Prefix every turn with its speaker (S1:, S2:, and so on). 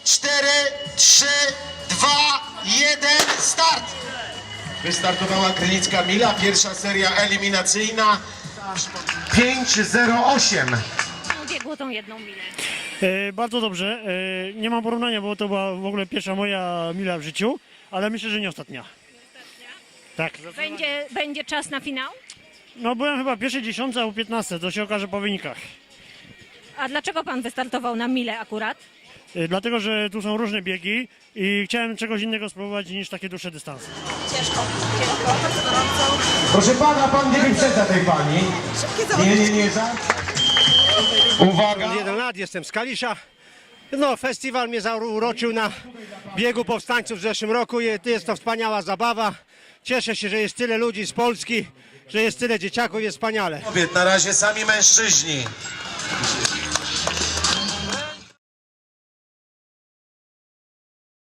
S1: 4, 3, 2, 1, start! Wystartowała Krynicka Mila, pierwsza seria eliminacyjna. 5:08.
S2: Biegło tą jedną milę.
S3: Bardzo dobrze. Nie mam porównania, bo to była w ogóle pierwsza moja mila w życiu, ale myślę, że nie ostatnia. Tak.
S2: Będzie czas na finał?
S3: No byłem chyba pierwszej dziesiątce albo 15, to się okaże po wynikach.
S2: A dlaczego pan wystartował na milę akurat?
S3: Dlatego, że tu są różne biegi i chciałem czegoś innego spróbować niż takie dłuższe dystanse.
S2: Ciężko, bardzo gorąco.
S1: Proszę pana, pan nie wyprzedza tej pani. Nie, Uwaga!
S4: 1 lat, jestem z Kalisza. No, festiwal mnie zauroczył na biegu powstańców w zeszłym roku. Jest to wspaniała zabawa. Cieszę się, że jest tyle ludzi z Polski, że jest tyle dzieciaków, jest wspaniale.
S1: Kobiet, na razie sami mężczyźni.